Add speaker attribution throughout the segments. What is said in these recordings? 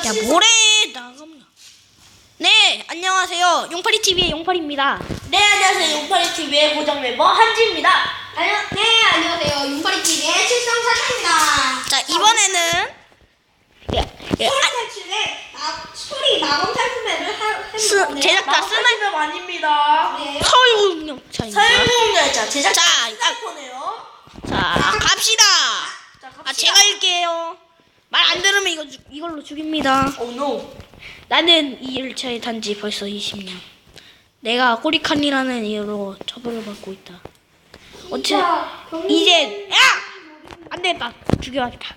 Speaker 1: 야 뭐래 나가면. 네 안녕하세요 용파리 TV의 용파리입니다.
Speaker 2: 네 안녕하세요 용파리 TV의 고정 멤버 한지입니다.
Speaker 3: 네 안녕하세요 용파리 TV의 칠성사장입니다.
Speaker 1: 자 이번에는
Speaker 3: 소리 마검 탈출맵을 해볼
Speaker 1: 제작자
Speaker 2: 스나이퍼 아닙니다.
Speaker 3: 네.
Speaker 1: 서울공룡차입니다.
Speaker 2: 사용자였죠. 제작자
Speaker 1: 자,
Speaker 2: 스나이퍼네요.
Speaker 1: 자 갑시다.
Speaker 2: 자 갑시다.
Speaker 1: 제가 할게요. 말 안 들으면 이걸로 죽입니다.
Speaker 2: 오 노.
Speaker 1: 나는 이 열차에 단지 벌써 20년. 내가 꼬리칸이라는 이유로 처벌을 받고 있다. 이제 야! 안 되겠다. 죽여야겠다.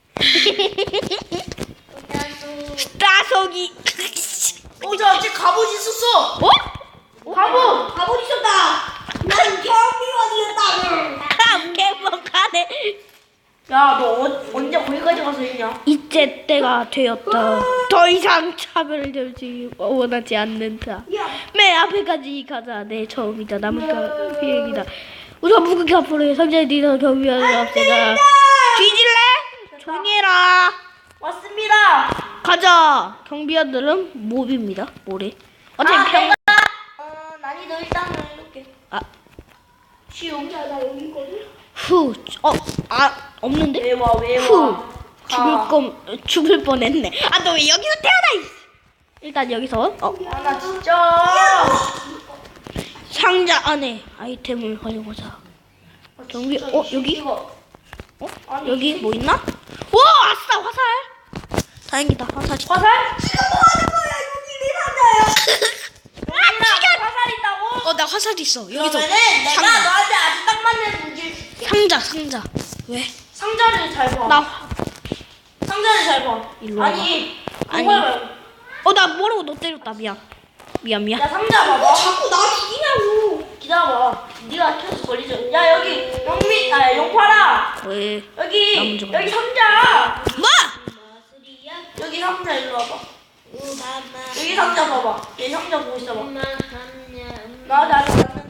Speaker 1: 따석이.
Speaker 2: 저 아직 갑옷 있었어.
Speaker 1: 어?
Speaker 2: 갑옷
Speaker 3: 있었다. 난 경비원이었다.
Speaker 1: 개먹하네.
Speaker 2: 야 너 언제 거기까지 가서 했냐?
Speaker 1: 이제 때가 되었다. 더 이상 차별되지 원하지 않는다. 맨 앞에까지 가자. 내 처음이다. 남은 비행이다. 우선 무극 앞으로 상자에 니는 경비원을 없애자. 뒤질래? 조용히 해라.
Speaker 2: 왔습니다.
Speaker 1: 가자. 경비원들은 몹입니다. 뭐래? 어차피 평.
Speaker 2: 난이도 일단은 이렇게
Speaker 1: 아,
Speaker 2: 쉬움.
Speaker 3: 나 여기 있거든.
Speaker 1: 후. 없는데?
Speaker 2: 왜 와?
Speaker 1: 후. 죽을 뻔했네. 아, 너 왜 여기서 태어나? 일단 여기서
Speaker 2: 나 진짜.
Speaker 1: 상자 안에 아이템을 가져보자. 경비. 여기?
Speaker 2: 이거. 아니,
Speaker 1: 여기 뭐 있나? 오, 아싸 화살. 다행이다 화살이.
Speaker 2: 화살?
Speaker 3: 지금 뭐 하는 거야? 여기 네 상자야.
Speaker 2: 화살 있다고?
Speaker 1: 나 화살 있어. 여기서
Speaker 2: 그러면은 내가
Speaker 1: 상자.
Speaker 2: 너한테 아주 딱 맞는 무기를 줄게.
Speaker 1: 상자. 왜?
Speaker 2: 상자를 잘 봐. 상자를 잘 봐.
Speaker 1: 일로 와봐.
Speaker 2: 아니.
Speaker 1: 아니.
Speaker 2: 그걸 말고.
Speaker 1: 나 모르고 너 때렸다. 미안.
Speaker 2: 야 상자 봐봐.
Speaker 3: 자꾸 나 죽이냐고.
Speaker 2: 기다려봐. 네가 계속 걸리죠. 야 여기 용파라.
Speaker 1: 왜?
Speaker 2: 여기
Speaker 1: 나무 좀
Speaker 2: 여기 상자.
Speaker 1: 뭐?
Speaker 2: 여기 상자 일로 와봐. 여기 상자 봐봐. 얘 상자 보고 있어봐. 나한테 아직 맞는.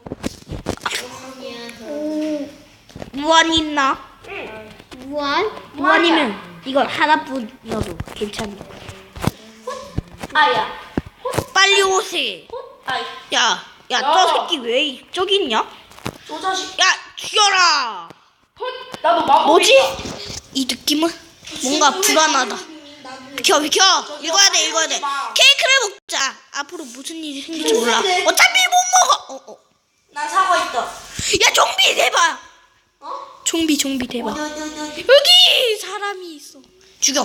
Speaker 1: 무한 있나?
Speaker 2: 응.
Speaker 1: 무한이면 이건 하나뿐이어도 괜찮아.
Speaker 2: 아야.
Speaker 1: 빨리 오세.
Speaker 2: 아이.
Speaker 1: 야, 저 새끼 왜 저기 있냐?
Speaker 2: 저 자식.
Speaker 1: 야, 죽여라.
Speaker 2: 나도 마법.
Speaker 1: 뭐지? 이 느낌은 뭔가 불안하다. 비켜. 읽어야 돼. 케이크를 먹자. 앞으로 무슨 일이 생길지 몰라. 어차피 못 먹어.
Speaker 2: 난 사고 있다.
Speaker 1: 야, 좀비 대박. 좀비 대박. 여기 사람이 있어. 죽여.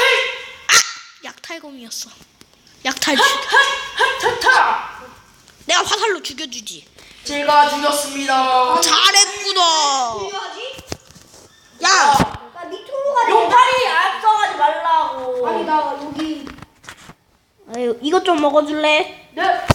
Speaker 1: 약탈검이었어. 약탈.
Speaker 2: 타타.
Speaker 1: 내가 화살로 죽여주지.
Speaker 2: 제가 죽였습니다.
Speaker 1: 잘했구나.
Speaker 3: 필요하지?
Speaker 1: 야,
Speaker 3: 나 밑으로 가자.
Speaker 2: 용팔이 앞서가지 말라고.
Speaker 3: 아니 나 여기.
Speaker 1: 아유, 이것 좀 먹어줄래?
Speaker 2: 네.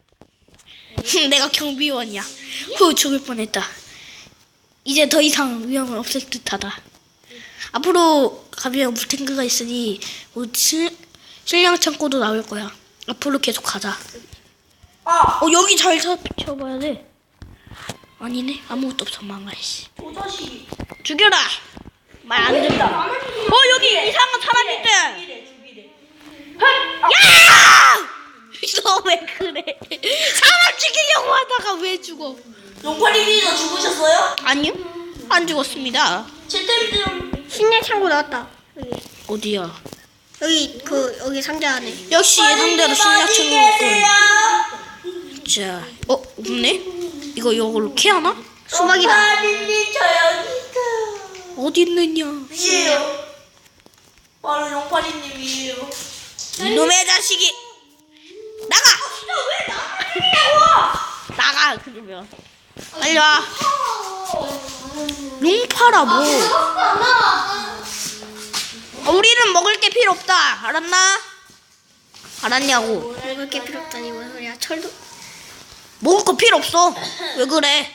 Speaker 1: 내가 경비원이야. 죽을 뻔했다. 이제 더 이상 위험을 없앨 듯하다. 앞으로 가면 물탱크가 있으니 식량 창고도 나올 거야. 앞으로 계속 가자. 여기 잘 살펴봐야 돼. 아니네, 아무것도 없어. 망가씨.
Speaker 2: 저 자식이.
Speaker 1: 죽여라. 말 안 듣다. 여기 이상한 사람 있대.
Speaker 2: 죽이래.
Speaker 1: 야! 너 왜 그래? 사람 죽이려고 하다가 왜 죽어?
Speaker 2: 용팔이님도 죽으셨어요?
Speaker 1: 아니요, 안 죽었습니다.
Speaker 2: 채템
Speaker 3: 식량 창고 나왔다.
Speaker 1: 어디야?
Speaker 3: 여기 상자 안에.
Speaker 1: 역시 예상대로 신약천국군. 자, 없네? 이걸로 캐하나?
Speaker 3: 수박이다.
Speaker 2: 용팔이님 저 여기 있어요.
Speaker 1: 어디 있느냐?
Speaker 2: 위에요. 바로 용팔이님이에요.
Speaker 1: 이놈의 자식이! 나가!
Speaker 2: 왜 나가냐고?
Speaker 1: 나가, 그러면. 빨리 와. 용파라, 뭐. 우리는 먹을 게 필요 없다. 알았나? 알았냐고.
Speaker 3: 먹을 게 필요 없다니 뭔 소리야? 철도.
Speaker 1: 먹을 거 필요 없어. 왜 그래?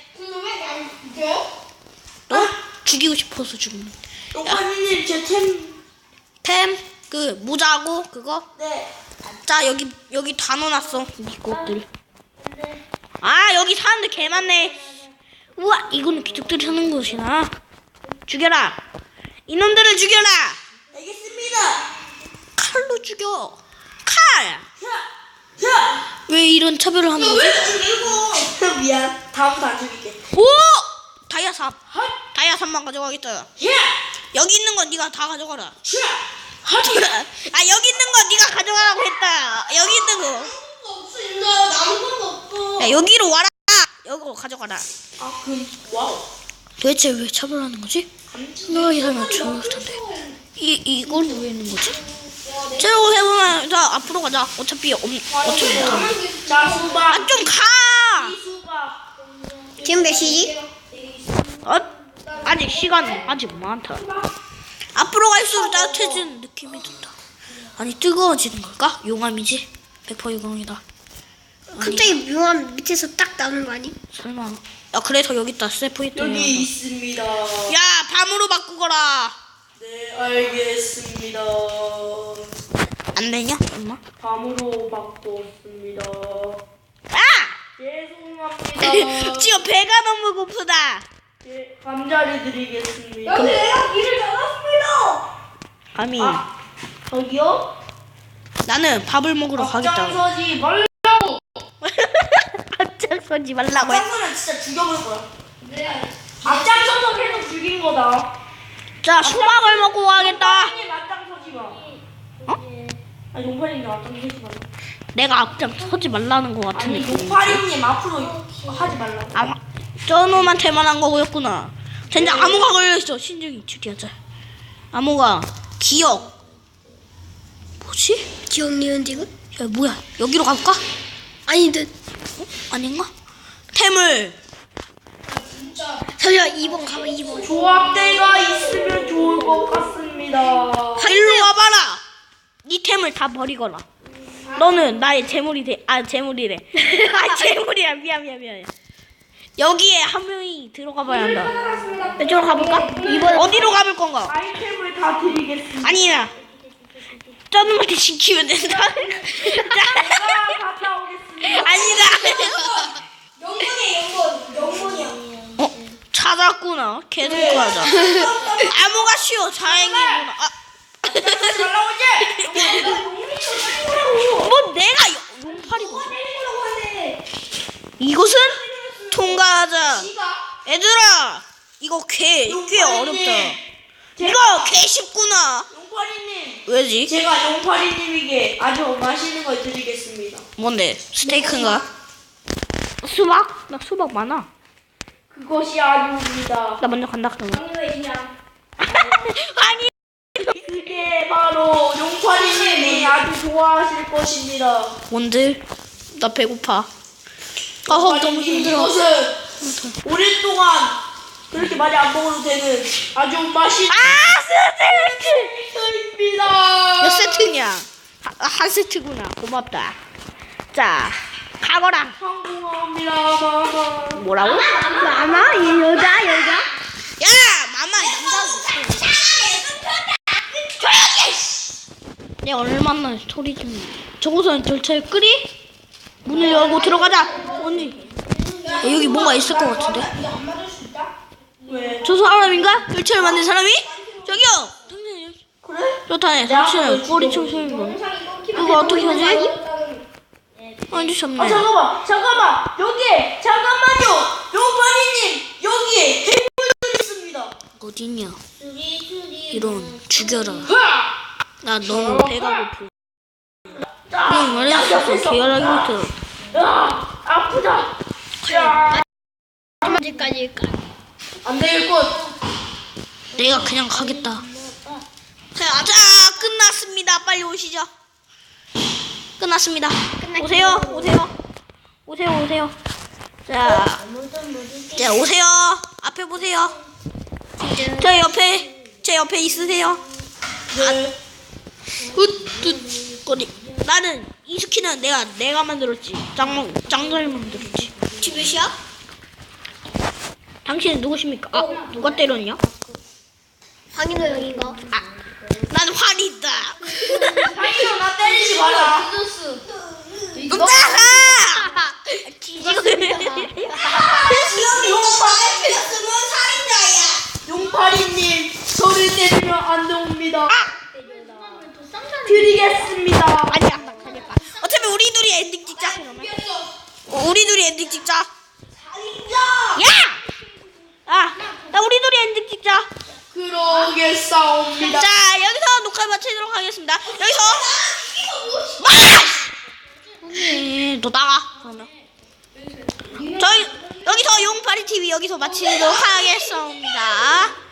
Speaker 1: 너? 죽이고 싶어서 죽는.
Speaker 2: 용팔이님 제 템.
Speaker 1: 모자고, 그거?
Speaker 2: 네.
Speaker 1: 자, 여기 다 넣어놨어. 네 것들. 여기 사람들 개 많네. 우와, 이거는 귀족들이 사는 곳이나. 죽여라. 이놈들을 죽여라.
Speaker 2: 알겠습니다.
Speaker 1: 칼로 죽여. 칼. 왜 이런 차별을 하는 거지?
Speaker 2: 미안. 다음부터 안 죽일게.
Speaker 1: 오! 다이아 3. 다이아 3만 가져가겠다. 여기 있는 건 네가 다 가져가라. 아, 여기 있는 건 네가 가져가라고 했다. 여기 있는 거. 야, 여기로 와라. 여기로 가져가라.
Speaker 2: 와우.
Speaker 1: 도대체 왜 차별하는 거지? 생각하기 하면 좋을 텐데. 이걸 왜 있는 거지? 새로 해보면 자 앞으로 가자. 어차피 못하면.
Speaker 2: 자, 수박.
Speaker 1: 아, 좀 가.
Speaker 2: 수박.
Speaker 3: 지금 몇 시지?
Speaker 1: 아직 시간은 아직 많다. 앞으로 갈수록 따뜻해지는 느낌이 든다. 아니 뜨거워지는 걸까? 용암이지. 100% 용암이다.
Speaker 3: 갑자기 묘한 밑에서 딱 나오는 거 아니?
Speaker 1: 설마. 야 그래서 여기 있다. 세포이트.
Speaker 2: 여기 있습니다.
Speaker 1: 야 밤으로 바꾸거라.
Speaker 2: 네, 알겠습니다.
Speaker 1: 안 되냐? 엄마?
Speaker 2: 밤으로 바꿨습니다.
Speaker 1: 아!
Speaker 2: 죄송합니다.
Speaker 1: 지금 배가 너무 고프다.
Speaker 2: 예, 감자를 드리겠습니다.
Speaker 3: 내가 길을 잡았습니다.
Speaker 1: 감히
Speaker 2: 저기요?
Speaker 1: 나는 밥을 먹으러 가겠다.
Speaker 2: 앞장서지 말라고.
Speaker 1: 앞장서지 말라고 했.
Speaker 2: 앞장서면 진짜 죽여볼 거야. 앞장서서 계속 죽인 거다.
Speaker 1: 자 수박을 먹고 가겠다.
Speaker 2: 용팔이님 앞장서지 마.
Speaker 1: 어?
Speaker 2: 아니 용팔이님 앞장서지 마.
Speaker 1: 내가 앞장서지 말라는 것 같은
Speaker 2: 아니
Speaker 1: 느낌.
Speaker 2: 용팔이님 앞으로 하지 말라고.
Speaker 1: 아, 저 놈한테만 한 거였구나. 젠장 암호가 걸려있어. 신중히 추리하자. 암호가 기억. 뭐지?
Speaker 3: 기억 니은 지금?
Speaker 1: 야 뭐야? 여기로 가볼까?
Speaker 3: 아니듯.
Speaker 1: 아닌가? 태물.
Speaker 3: 잠시만 2번 가봐 2번.
Speaker 2: 조합대가 있으면 좋을 것 같습니다.
Speaker 1: 일로 와봐라. 네 템을 다 버리거라. 너는 나의 재물이 돼. 아 재물이래. 아 재물이야. 미안. 여기에 한 명이 들어가 봐야 한다. 이쪽으로 가볼까? 어디로 가볼 건가?
Speaker 2: 아이템을 다 드리겠습니다.
Speaker 1: 아니야. 저 놈한테 시키면 된다.
Speaker 2: 제가 갔다 오겠습니다.
Speaker 1: 아니다.
Speaker 3: 영문이야.
Speaker 1: 찾았구나. 계속 가자. 암호가 쉬워. 다행이구나. 아.
Speaker 2: 그러지 말라고 이제.
Speaker 1: 뭐 내가 용팔이고. 이곳은 통과하자. 얘들아, 이거 꽤 어렵다. 이거 꽤 쉽구나.
Speaker 2: 용팔이님.
Speaker 1: 왜지?
Speaker 2: 제가 용팔이님에게 아주 맛있는 걸 드리겠습니다.
Speaker 1: 뭔데? 스테이크인가? 수박? 나 수박 많아.
Speaker 2: 그것이 아닙니다.
Speaker 1: 나 먼저 간다 그러면. 아니.
Speaker 2: 그게 바로 용팔이님이 아주 좋아하실 것입니다.
Speaker 1: 뭔데? 나 배고파. 아, 너무 힘들어.
Speaker 2: 이것은 오랫동안 그렇게 많이 안 먹어도 되는 아주 맛있는 스테이크입니다.
Speaker 1: 몇 세트냐? 한 세트구나. 고맙다. 자, 가거라.
Speaker 2: 성공합니다, 마마.
Speaker 1: 뭐라고?
Speaker 3: 마마? 이 여자?
Speaker 1: 야, 마마 남자고. 내가 얼마나 소리 좀. 저곳은 절차를 끄리? 문을 열고 들어가자. 언니. 여기 뭔가 있을 것 같은데.
Speaker 2: 왜?
Speaker 1: 저 사람인가? 열차를 만든 사람이? 저기요. 당신이.
Speaker 2: 그래?
Speaker 1: 좋다네. 당신은 꼬리 청소년. 이거 어떻게 하지? 아니 참네.
Speaker 2: 잠깐만. 여기 잠깐만요. 용팔이님 여기 해물이 있습니다.
Speaker 1: 어딨냐? 이런 죽여라. 나 너무 배가 고프. 그냥 말해서 계열하기부터.
Speaker 2: 아프다. 야,
Speaker 3: 언제까지
Speaker 2: 안 되겠군.
Speaker 1: 내가 그냥 가겠다. 자, 끝났습니다. 빨리 오시죠. 끝났습니다. 오세요. 자, 오세요. 앞에 보세요. 제 옆에 있으세요.
Speaker 2: 네.
Speaker 1: 거리. 나는 이 스킨은 내가 만들었지. 짱잘 만들었지.
Speaker 3: 지금 몇 시야?
Speaker 1: 당신은 누구십니까? 아, 누가 때렸냐?
Speaker 3: 황인호 형인가?
Speaker 1: 나는 활이 있다.
Speaker 2: 당신은 나 때리지 마라. 용팔이님 저를 때리면 안 됩니다. 드리겠습니다. 포기했습니다.
Speaker 1: 아니야, 나 가겠다. 어차피 우리 둘이 엔딩 찍자. 그러면. 우리 둘이 엔딩 찍자. 야! 나 우리 둘이 엔딩 찍자.
Speaker 2: 그러겠사옵니다.
Speaker 1: 자, 여기서 녹화 마치도록 하겠습니다. 여기서 너 나가. 그러면 저희 여기서 용파리 TV 여기서 마치도록 하겠습니다.